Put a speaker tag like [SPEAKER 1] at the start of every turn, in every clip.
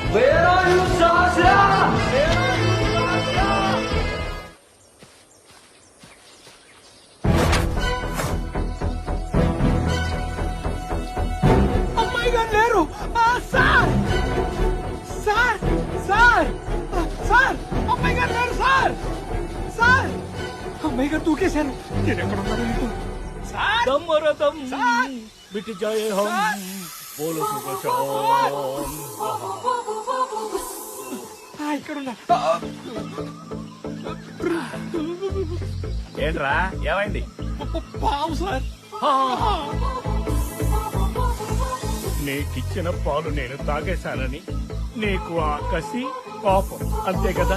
[SPEAKER 1] Where are you, Sasha?
[SPEAKER 2] అమ్మాయి గారు లేరు. సార్ సార్ సార్ సార్ అమ్మాయి గారు లేరు సార్. సార్ అమ్మాయి గారు దూకేశారు. నేను ఎక్కడ ఉన్నాను ఏంటో. సార్
[SPEAKER 3] దమ్మరదం
[SPEAKER 2] సార్
[SPEAKER 3] మిట్ జాయే హమ్ బోలో సుబహ శామ్.
[SPEAKER 2] ఇక్కడ ఉన్నా.
[SPEAKER 3] ఏంట్రా ఏమైంది?
[SPEAKER 2] పావు సార్.
[SPEAKER 3] నీకిచ్చిన పాలు నేను తాగేశానని నీకు ఆ కసి కోపం అంతే కదా?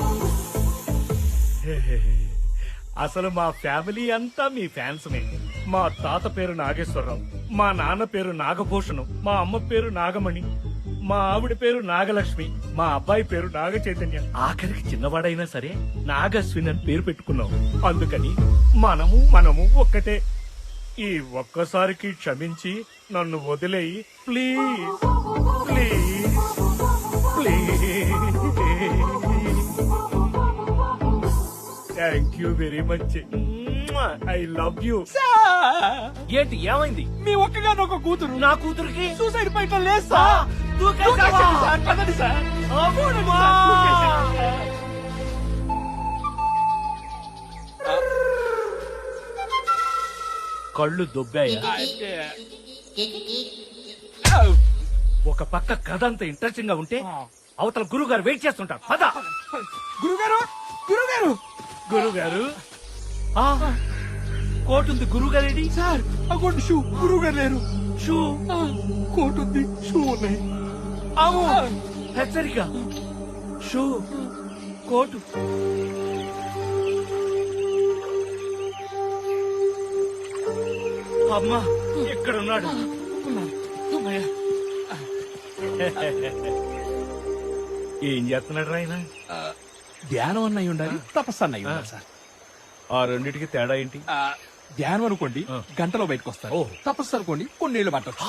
[SPEAKER 3] అసలు మా ఫ్యామిలీ అంతా మీ ఫ్యాన్స్ మే. మా తాత పేరు నాగేశ్వరరావు, మా నాన్న పేరు నాగభూషణం, మా అమ్మ పేరు నాగమణి, మా ఆవిడ పేరు నాగలక్ష్మి, మా అబ్బాయి పేరు నాగ చైతన్య, ఆఖరికి చిన్నవాడైనా సరే నాగశ్విన్ అని పేరు పెట్టుకున్నాం. అందుకని మనము ఒక్కటే. ఈ ఒక్కసారికి క్షమించి నన్ను వదిలేయి please please please. Thank you very much. I love you. ఏంటి ఏమైంది?
[SPEAKER 2] మీ ఒక్కగాను ఒక కూతురు
[SPEAKER 3] నా కూతురికి
[SPEAKER 2] సూసైడ్ పాయింట్ లేదు సార్. దూకేశారు సార్. పదండి సార్. చూడండి సార్, దూకేశారు.
[SPEAKER 3] కళ్ళు దొబ్బాయా? ఒక పక్క కథ అంత ఇంట్రెస్టింగ్ గా ఉంటే అవతల గురువు గారు వెయిట్ చేస్తుంటారు. పద.
[SPEAKER 2] గురుగారు గురుగారు
[SPEAKER 3] గురుగారు కోట్ ఉంది. గురువు గారేడి?
[SPEAKER 2] Sir అగోండి shoe. గురువు గారు లేరు.
[SPEAKER 3] షూ
[SPEAKER 2] కోట్ ఉంది, షూ ఉన్నాయి.
[SPEAKER 3] అవు హెచ్చరిక. Shoe coat. అమ్మా ఎక్కడున్నాడు? ఏం చేస్తున్నాడు ఆయన?
[SPEAKER 2] ధ్యానం అన్నయ్య ఉండాలి, తపస్సు అన్నయ్య ఉండాలి సార్.
[SPEAKER 3] ఆ రెండిటికి తేడా ఏంటి?
[SPEAKER 2] ధ్యానం అనుకోండి గంటలో బయటకు వస్తారు. తపస్సు అనుకోండి కొన్నేళ్లు పట్టదు.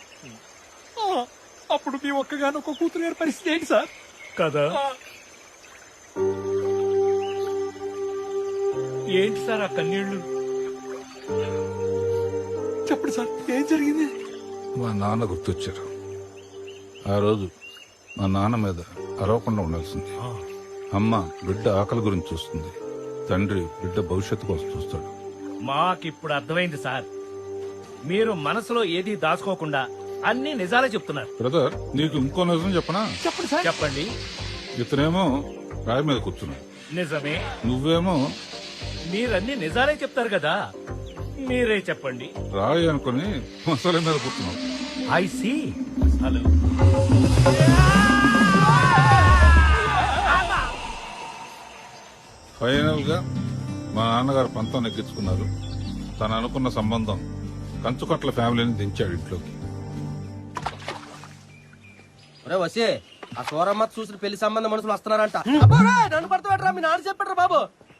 [SPEAKER 2] అప్పుడు మీ ఒక్కగాను ఒక కూతురు గారి పరిస్థితి ఏంటి సార్?
[SPEAKER 3] కదా. ఏంటి సార్ ఆ కన్నీళ్లు?
[SPEAKER 2] చెప్పండి సార్, ఏం జరిగింది?
[SPEAKER 4] మా నాన్న గుర్తొచ్చారు. ఆ రోజు మా నాన్న మీద అరవకుండా ఉండాల్సింది. అమ్మ బిడ్డ ఆకలి గురించి చూస్తుంది, తండ్రి బిడ్డ భవిష్యత్తు కోసం చూస్తాడు.
[SPEAKER 3] మాకిప్పుడు అర్థమైంది సార్. మీరు మనసులో ఏది దాచుకోకుండా అన్ని నిజాలే చెప్తున్నారు.
[SPEAKER 4] బ్రదర్, నీకు ఇంకో నిజం చెప్పనా?
[SPEAKER 2] చెప్పండి సార్.
[SPEAKER 3] చెప్పండి.
[SPEAKER 4] ఇతనేమో రాయి మీద కూర్చున్నాడు,
[SPEAKER 3] నిజమే.
[SPEAKER 4] నువ్వేమో
[SPEAKER 3] మీరన్ని నిజాలే చెప్తారు కదా, మీరే చెప్పండి.
[SPEAKER 4] రాయి అనుకుని మసాలా మీద కూర్చున్నావు.
[SPEAKER 3] I see. హలో.
[SPEAKER 4] ఫైనల్ గా మా నాన్నగారు పంతం నెగ్గించుకున్నారు. తను అనుకున్న సంబంధం కంచుకట్ల ఫ్యామిలీని దించాడు ఇంట్లోకి.
[SPEAKER 5] ఒరే వసే, ఆ సోరమ్మ చూసిన పెళ్లి సంబంధం మనుషులు వస్తున్నారంట. నన్ను పడతాడరా, మీ నాన్న చెప్పాడు బాబు.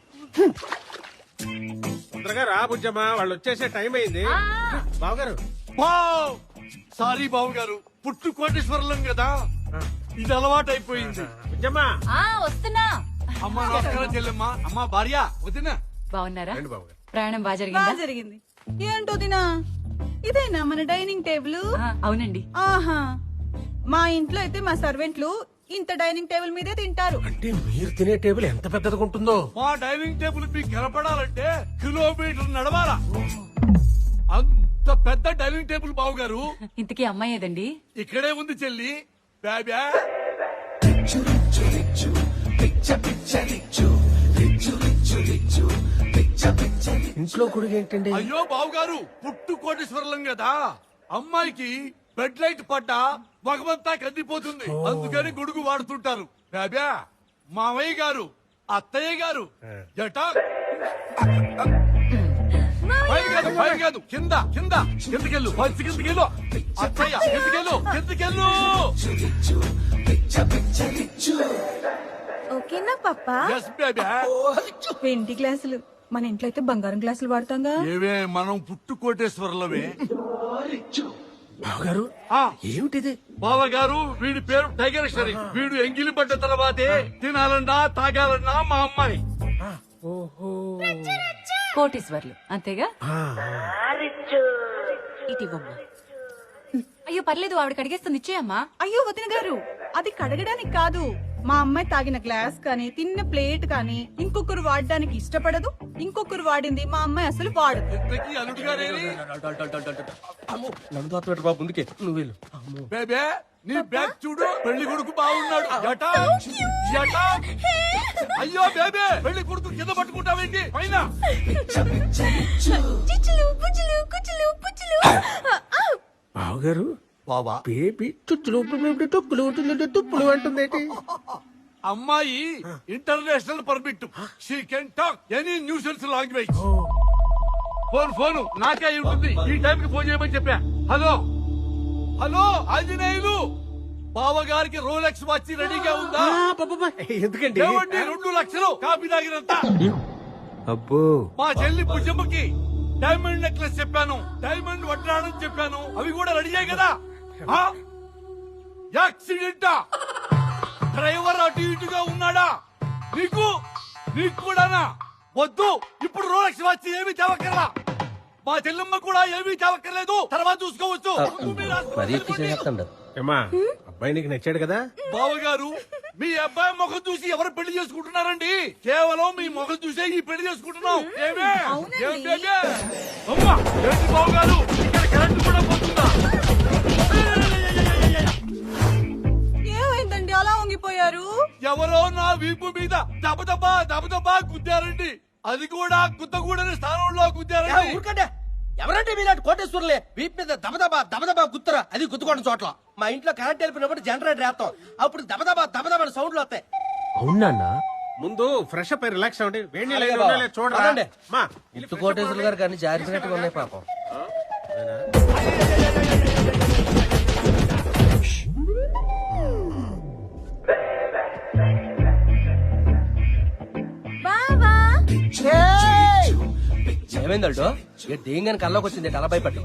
[SPEAKER 6] తొందరగా రా బుజ్జమ్మా, వాళ్ళు వచ్చేసే టైం అయింది. బావగారు
[SPEAKER 2] సారీ బాబు గారు, పుట్టు కోటేశ్వరం కదా, ఇది అలవాటు అయిపోయింది.
[SPEAKER 6] బుజ్జమ్మా
[SPEAKER 7] వస్తున్నా.
[SPEAKER 2] అమ్మా నమస్కారం చెల్లెమ్మా. అమ్మా భార్య వదినా.
[SPEAKER 7] బాగున్నారా?
[SPEAKER 6] రండి బావగారు.
[SPEAKER 7] ప్రయాణం బాగా
[SPEAKER 8] బాగా
[SPEAKER 7] జరిగిందా?
[SPEAKER 8] జరిగింది. ఏంటో దినా, ఇదేనా మన డైనింగ్ టేబుల్?
[SPEAKER 7] అవునండి.
[SPEAKER 8] ఆహా, మా ఇంట్లో అయితే మా సర్వెంట్లు ఇంత డైనింగ్ టేబుల్ మీదే తింటారు.
[SPEAKER 6] అంటే మీరు తినే టేబుల్ ఎంత పెద్దదిగా ఉంటుందో.
[SPEAKER 2] మా డైనింగ్ టేబుల్ మీకు కనపడాలంటే కిలోమీటర్ నడవాలా. అంత పెద్ద డైనింగ్ టేబుల్ బాబు గారు.
[SPEAKER 7] ఇంతకీ అమ్మాయి ఏదండి?
[SPEAKER 8] ఇక్కడే ఉంది చెల్లి. బాబా
[SPEAKER 6] ఇంట్లో కూడా ఏంటండి?
[SPEAKER 2] అయ్యో బాబు గారు, పుట్టు కోటేశ్వరం కదా, అమ్మాయికి బెడ్ లైట్ పడ్డా మగమంతా కందిపోతుంది, అందుకని గొడుగు వాడుతుంటారు. బాబా మావయ్య గారు, అత్తయ్య గారు జటా పై కాదు కింద కింద కిందకెళ్ళు, పచ్చి కిందకెళ్ళు. అత్తయ్య కిందకెళ్ళు, కిందకెళ్ళు.
[SPEAKER 8] ఓకేనా పప్పా?
[SPEAKER 2] Yes baby.
[SPEAKER 8] వెండి గ్లాసులు, మన ఇంట్లో అయితే బంగారం గ్లాసులు వాడతాంగా.
[SPEAKER 2] ఏవే మనం పుట్టు కోటేశ్వరులవే.
[SPEAKER 6] బావగారు ఏమిటిది?
[SPEAKER 1] బావగారు వీడి పేరు టైగర్ షరీఫ్. వీడు ఎంగిలి పడ్డ తర్వాతే తినాలన్నా తాగాలన్నా మా అమ్మాయి.
[SPEAKER 7] కోటీశ్వర్లు అంతేగా? ఇటివమ్మా. అయ్యో పర్లేదు, ఆవిడ కడిగేస్తుంది, ఇచ్చేయమ్మా.
[SPEAKER 8] అయ్యో వదిన గారు, అది కడగడానికి కాదు. మా అమ్మాయి తాగిన గ్లాస్ కానీ తిన్న ప్లేట్ కానీ ఇంకొకరు వాడడానికి ఇష్టపడదు. ఇంకొకరు వాడింది మా అమ్మాయి అసలు వాడదు.
[SPEAKER 1] ఇంతకీ అల్లుడు గారేని?
[SPEAKER 5] అమ్మో, నన్ను దాచిపెట్టు బాబు, ముందుకే నువ్వు వెళ్ళు.
[SPEAKER 1] బేబే నీ బ్యాగ్ చూడు, పెళ్లి కొడుకు బాగున్నాడు. జటా, జటా. అయ్యో బేబే, పెళ్లి కొడుకు కింద పట్టుకుంటావేంటి పైన?
[SPEAKER 6] బావగారు
[SPEAKER 1] బాబా
[SPEAKER 6] బేబీ చుచ్చులు తుప్పులు తుప్పులు అంటుందేంటి?
[SPEAKER 1] అమ్మాయి international permit. She can talk any nuisance language. Phone నాకే అయి ఉంటుంది. ఈ టైం కి ఫోన్ చేయమని చెప్పా. హలో హలో ఆంజనేయులు, బావగారికి రోలెక్స్ వాచ్ రెడీగా ఉందా?
[SPEAKER 6] ఎందుకండి?
[SPEAKER 1] ఏమండి 2 లక్షలు కాపీ తాగినంత.
[SPEAKER 6] అబ్బో,
[SPEAKER 1] మా చెల్లి పుష్పకి డైమండ్ నెక్లెస్ చెప్పాను, డైమండ్ వడ్డాణం చెప్పాను, అవి కూడా రెడీ అయ్యాయి కదా. ఆ? యాక్సిడెంటా? డ్రైవర్ అటు ఇటుగా ఉన్నాడా? నీకు కూడానా? వద్దు, ఇప్పుడు రోలెక్స్ వాచ్ ఏమీ తేవక్కర్లా. మా చెల్లెమ్మ కూడా ఏమీ తేవక్కర్లేదు, తర్వాత చూసుకోవచ్చు.
[SPEAKER 5] మరీ తీసేస్తాడు.
[SPEAKER 6] ఏమ్మా, అబ్బాయి నీకు నచ్చాడు కదా?
[SPEAKER 1] బావగారు, మీ అబ్బాయి ముఖం చూసి ఎవరు పెళ్లి చేసుకుంటున్నారండి? కేవలం మీ ముఖం చూసే ఈ పెళ్లి చేసుకుంటున్నాం. ఏమే?
[SPEAKER 8] అవునండి.
[SPEAKER 1] ఏం బేబే? అమ్మా, ఏంటి బావగారు, ఇక్కడ కరెంట్ కూడా పోతుందా?
[SPEAKER 8] ఏమైందండి అలా వంగిపోయారు?
[SPEAKER 1] ఎవరో నా వీపు మీద దబదబా గుద్దారండి. అది కూడా గుద్దగూడని స్థానంలో గుద్దారండి.
[SPEAKER 5] ఊరుకంటే, ఎవరంటే మీలాంటి కోటేశ్వరులే వీపు మీద దబదబా గుత్తరా, అది గుద్దుకోవడం చోట్ల. మా ఇంట్లో కరెంట్ వెళ్ళిపోయినప్పుడు జనరేటర్ వేస్తాం, అప్పుడు దబదబా సౌండ్లు వస్తాయి.
[SPEAKER 6] అవునా? ముందు ఫ్రెష్ అప్ రిలాక్స్ అవ్వండి. వేడి నీళ్ళు
[SPEAKER 5] అలాగే
[SPEAKER 6] ఏమైనా ఉన్నాయో
[SPEAKER 5] బావ.
[SPEAKER 6] చూడరా.
[SPEAKER 5] పదండి.
[SPEAKER 6] మా,
[SPEAKER 5] ముత్తు కోటేశ్వరులు గారు కానీ జారిపోయినట్టుగా ఉన్నాయి పాపం. ఏమైంది అల్టో? ఇక దేంగాని కల్లోకి వచ్చింది, అలా భయపడ్డా?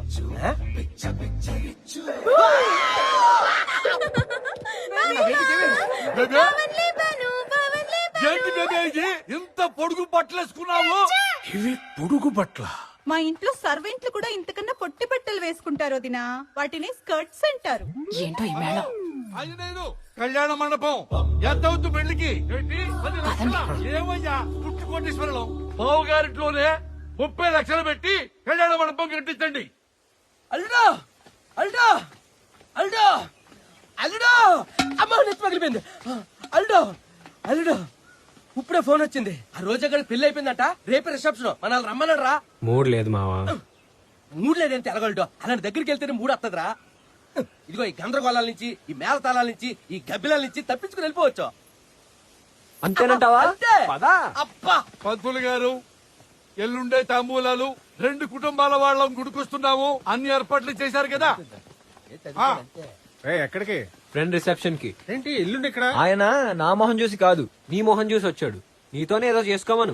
[SPEAKER 1] బేబే, ఏంటి బేబే ఇది? ఇంత పొడుగు బట్టలేసుకున్నావు?
[SPEAKER 6] ఇవి పొడుగు బట్ల.
[SPEAKER 8] మా ఇంట్లో సర్వెంట్లు కూడా ఇంతకన్నా పొట్టి బట్టలు వేసుకుంటారు వదిన. వాటిని స్కర్ట్స్ అంటారు.
[SPEAKER 7] ఏంటో ఈ మేళం.
[SPEAKER 1] ఆంజనేయులు, కళ్యాణ మండపం ఎంత అవుతు పెళ్లికి? ఏంటి 10 లక్షలా? ఏమయ్యా పుట్టి కోటేశ్వరులం, బావగారింట్లోనే 30 లక్షలు పెట్టి కళ్యాణ మండపం కట్టించండి.
[SPEAKER 5] అల్లుడో అల్లుడో అల్లుడో అల్లుడో, అమ్మ నెత్తి పగిలిపోయింది. అల్లుడో ఇప్పుడే ఫోన్ వచ్చింది. ఆ రోజు అక్కడ పెళ్లి అయిపోయిందంట, రేపే రిసెప్షన్, మనల్ని రమ్మన్నాడు రా.
[SPEAKER 6] మూడు లేదు మావా.
[SPEAKER 5] మూడు లేదంటే ఎలగలటో, అలాంటి దగ్గరికి వెళ్తేనే మూడు వస్తుందిరా. ఇదిగో ఈ గందరగోళాల నుంచి, ఈ మేళతాళాల నుంచి, ఈ గబ్బిలాల నుంచి తప్పించుకుని వెళ్ళిపోవచ్చు.
[SPEAKER 6] అంతేనంటావా?
[SPEAKER 5] అంతే. అబ్బా,
[SPEAKER 1] పంతులు గారు, ఎల్లుండే తాంబూలాలు 2 కుటుంబాల వాళ్ళం గుడికొస్తున్నాము. అన్ని ఏర్పాట్లు చేశారు కదా?
[SPEAKER 6] ఎక్కడికి?
[SPEAKER 9] ఫ్రెండ్ రిసెప్షన్ కి.
[SPEAKER 6] ఏంటి ఎల్లుండి ఇక్కడ?
[SPEAKER 9] ఆయన నా మొహం చూసి కాదు, నీ మొహం చూసి వచ్చాడు. నీతోనే ఏదో చేసుకోమను.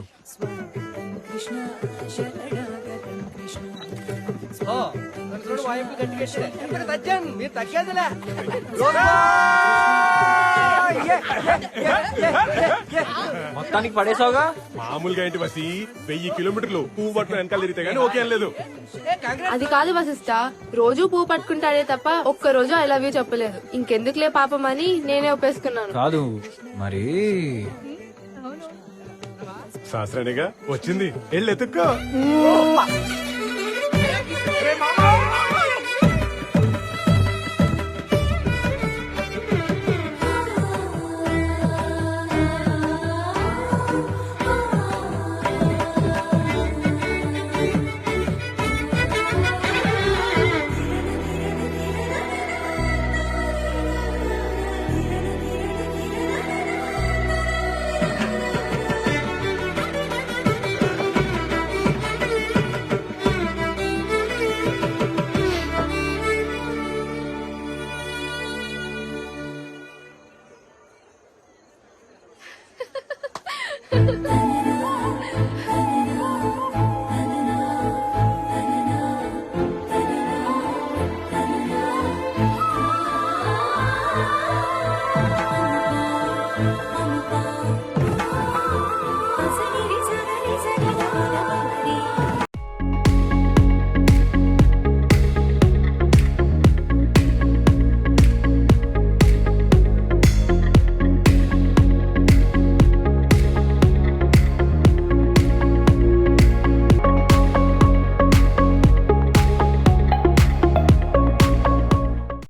[SPEAKER 5] ఓ, నన్ను చూడు, వాయింపు గట్టిగట్టిదే. ఎంతకు తగ్గాను, మీరు తగ్గేదిలే.
[SPEAKER 9] మొత్తానికి పడేసావుగా.
[SPEAKER 6] మామూలుగా ఏంటి బసి, 1000 కిలోమీటర్లు పువ్వు పట్టుకుని వెనకాల తిరిగితే గానీ ఓకే అనలేదు.
[SPEAKER 10] అది కాదు వసిస్ట, రోజు పువ్వు పట్టుకుంటాడే తప్ప ఒక్క రోజు ఐ లవ్ యూ చెప్పలేదు. ఇంకెందుకులే పాపం అని నేనే ఒప్పేసుకున్నాను.
[SPEAKER 9] కాదు మరి
[SPEAKER 6] శాస్త్రానిగా వచ్చింది, వెళ్ళి ఎత్తుక్కో.
[SPEAKER 2] ఆ